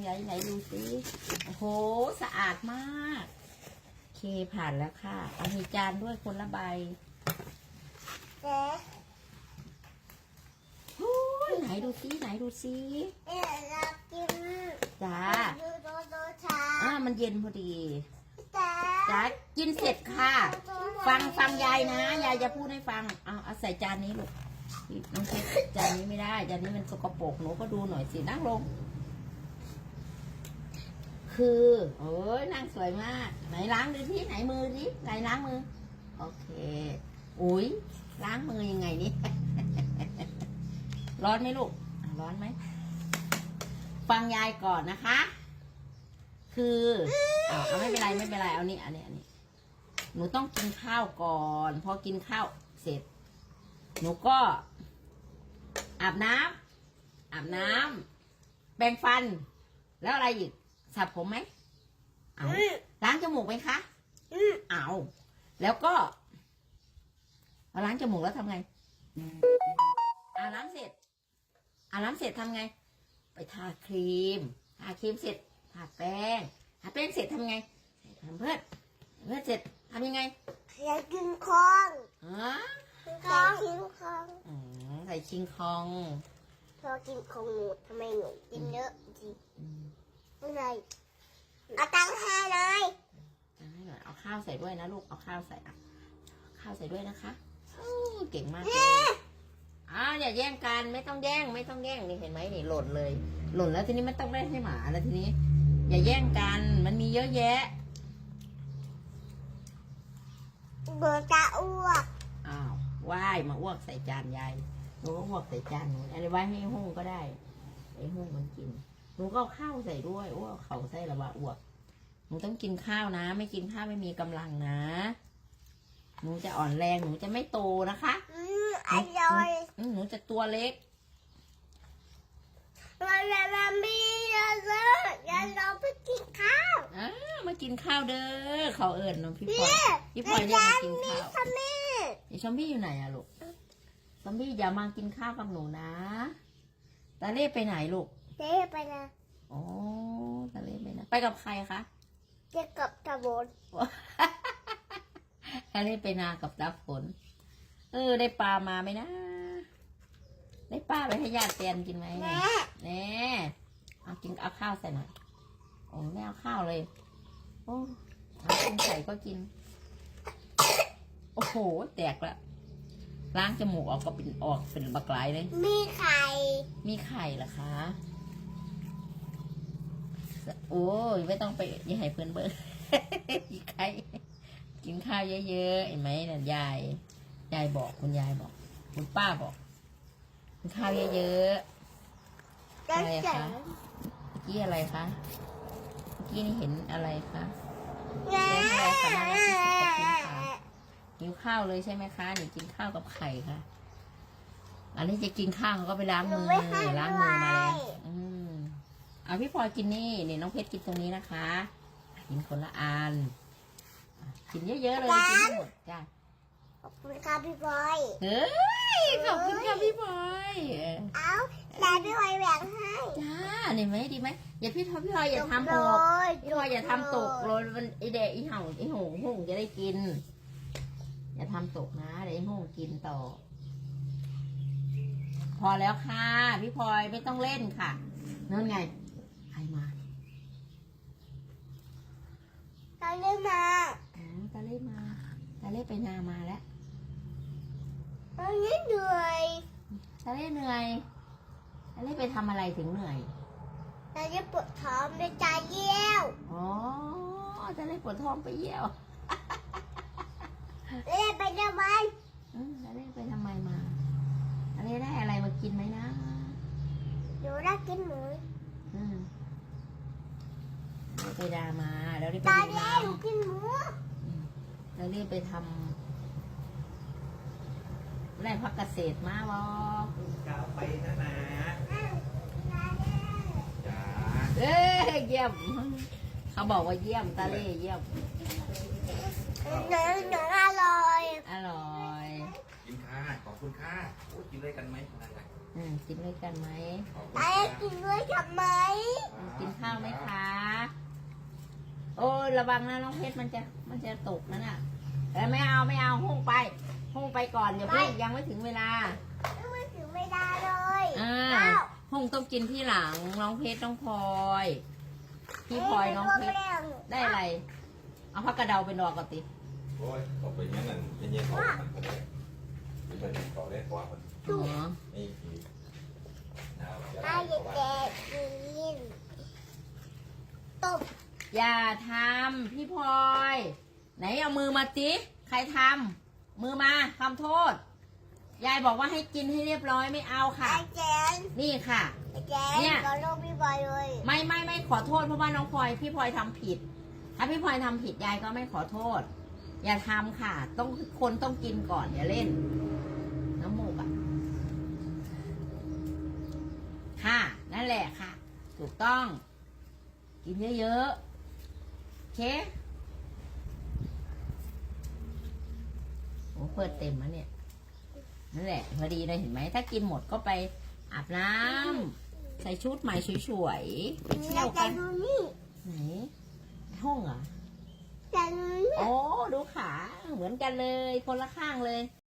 ไหนดูสิโอ้โหสะอาดมากโอเคผ่านแล้วค่ะเอามีจานด้วยคนละใบโอ้ยไหนดูสิไหนดูสิอยากกินจ้าโดช้ามันเย็นพอดีจ้าจ้ากินเสร็จค่ะฟังยายนะยายจะพูดให้ฟังเอาใส่จานนี้ลูกน้องเพชรจานนี้ไม่ได้จานนี้มันสกปรกหนูก็ดูหน่อยสินั่งลงคือโอ้ยนั่งสวยมากไหนล้างดูที่ไหนมือดิไหนล้างมือโอเคอุ้ยล้างมือยังไงนี่ ร้อนไหมลูกร้อนไหมฟังยายก่อนนะคะคือเอาไม่เป็นไรเอานี่อันนี้หนูต้องกินข้าวก่อนพอกินข้าวเสร็จหนูก็อาบน้ำแปรงฟันแล้วอะไรอีกสระผมไหมเอาล้างจมูกไหมคะเอาแล้วก็ล้างจมูกแล้วทำไงล้างเสร็จทำไงไปทาครีมเสร็จทาแป้งเสร็จทำไงทำเพื่อนเสร็จทำยังไงอยากกินของใส่คิงคองใส่คิงคองพอกินของหนูทำไมหนูกินเยอะจริงอะไรเอาตังค์ให้เลยเอาข้าวใส่ด้วยนะลูกเอาข้าวใส่ข้าวใส่ด้วยนะคะเก่งมากเลยอย่าแย่งกันไม่ต้องแย่งนี่เห็นไหมนี่หล่นแล้วทีนี้มันต้องได้ให้หมาแล้วทีนี้อย่าแย่งกันมันมีเยอะแยะเบอร์จะอ้วกว่ายมาอ้วกใส่จานยายหนูก็อ้วกใส่จานหนูอะไรไว้ให้ห้องก็ได้ให้ห้องมันกินหนูก็ข้าวใส่ด้วยอ้วกเขาใส่ระบาอ้วกหนูต้องกินข้าวนะไม่กินข้าวไม่มีกำลังนะหนูจะอ่อนแรงหนูจะไม่โตนะคะอร่อยหนูจะตัวเล็กเราไม่เยอะเลยเราไปกินข้าวมากินข้าวเด้อเขาเอิญน้องพี่พลอยเรียกมากินข้าวซอมบี้อยู่ไหนอะลูกซอมบี้อย่ามากินข้าวกับหนูนะตาเล่ไปไหนลูกเล่ไปนะตาเล่ไปนะไปกับใครคะจะกับตาบนตาเล่ไปนากับตาฝนได้ปลามาไหมนะได้ปลาไปให้ญาติเตียนกินไหมแน่เอาข้าวใส่หน่อยไม่เอาข้าวเลยกินใส่ก็กินโอ้โหแตกละล้างจมูกออกก็เป็นบักหลายเลยมีไข่เหรอคะโอ้ยไม่ต้องไปอย่าให้เพื่อนเบิร์มีไข่กินข้าวเยอะๆเห็นไหมเนี่ยยายบอกคุณยายบอกคุณป้าบอกกินข้าวเยอะๆอะไรคะเมื่อกี้อะไรคะเมื่อกี้นี่เห็นอะไรคะเห็นอะไรคะน่ารักที่สุดขอบคุณค่ะหิวข้าวเลยใช่ไหมคะหนูกินข้าวกับไข่ค่ะอันนี้จะกินข้าวก็ไปล้างมือมาแล้วเอาพี่พลอยกินนี่น้องเพชรกินตรงนี้นะคะกินคนละอันกินเยอะๆเลยกินทั้งหมดจ้าขอบคุณค่ะพี่พลอยขอบคุณค่ะพี่พลอยแต่พี่พลอยแบ่งให้จ้านี่ไหมดีไหมอย่าพี่พลอยอย่าทำตกพี่พลอยอย่าทำตกเลยมันไอเดะไอเห่าไอหงจะได้กินอย่าทำตกนะเดี๋ยวไอหงกินต่อพอแล้วค่ะพี่พลอยไม่ต้องเล่นค่ะนั่นไงใครมาตาเล่มาตาเล่ไปนามาแล้วตาเล่เหนื่อยตาเล่ไปทำอะไรถึงเหนื่อยตาเล่ปวดท้องไปจ่ายเยี่ยวตาเล่ปวดท้องไปเยี่ยวเล่ไปทำไมตาเล่ไปทำไมมาตาเล่ได้อะไรมากินไหมนะหนูได้กินหมูไปดามาแล้วได้ไปตาเล่หนูกินหมูแล้วรีบไปทำแร่พักเกษตรมาบอก้าวไปนะจ้าเยี่ยมเขาบอกว่าเยี่ยมตาเล่เยี่ยมหนูอร่อยกินข้าขอบคุณข้ากินด้วยกันไหมกินด้วยกันไหมตาเล่กินด้วยทำไมกินข้าวไหมระวังนะน้องเพชรมันจะตกนั่นน่ะแต่ไม่เอาห้องไปก่อนเดี๋ยวเพิ่งยังไม่ถึงเวลาไม่ถึงไม่ได้เลยห้องต้องกินที่หลังน้องเพชรน้องพลอยพี่พลอยน้องเพชรได้อะไร เอาผักกระเดาไปนอกก่อนติโอ้ยออกไปงั้นนั่นเย็นๆออกมันก็ได้ไม่เป็นต่อได้กว่ามันอ๋อนี่คือหนาวจะถ้าได้เด็กๆกินตบอย่าทำพี่พลอย ไหนเอามือมาจิใครทำมือมาทำโทษ ยายบอกว่าให้กินให้เรียบร้อยไม่เอาค่ะไอ้แจนนี่ค่ะไอ้แจเนี่ยนก็ลูกพี่บอยเลยไม่ขอโทษเพราะว่าน้องพลอยพี่พลอยทำผิด ถ้าพี่พลอยทำผิดยายก็ไม่ขอโทษ อย่าทำค่ะ คนต้องกินก่อนอย่าเล่น น้ำมูกอ่ะค่ะ นั่นแหละค่ะ ถูกต้อง กินเยอะๆโอเคโอ้เปิดเต็มแล้วเนี่ยนั่นแหละพอดีเลยเห็นไหมถ้ากินหมดก็ไปอาบน้ำใส่ชุดใหม่สวยๆไปเที่ยวแต่กันดูนี่ไหนห้องเหรอแต่ดูนี่โอ้ดูขาเหมือนกันเลยคนละข้างเลย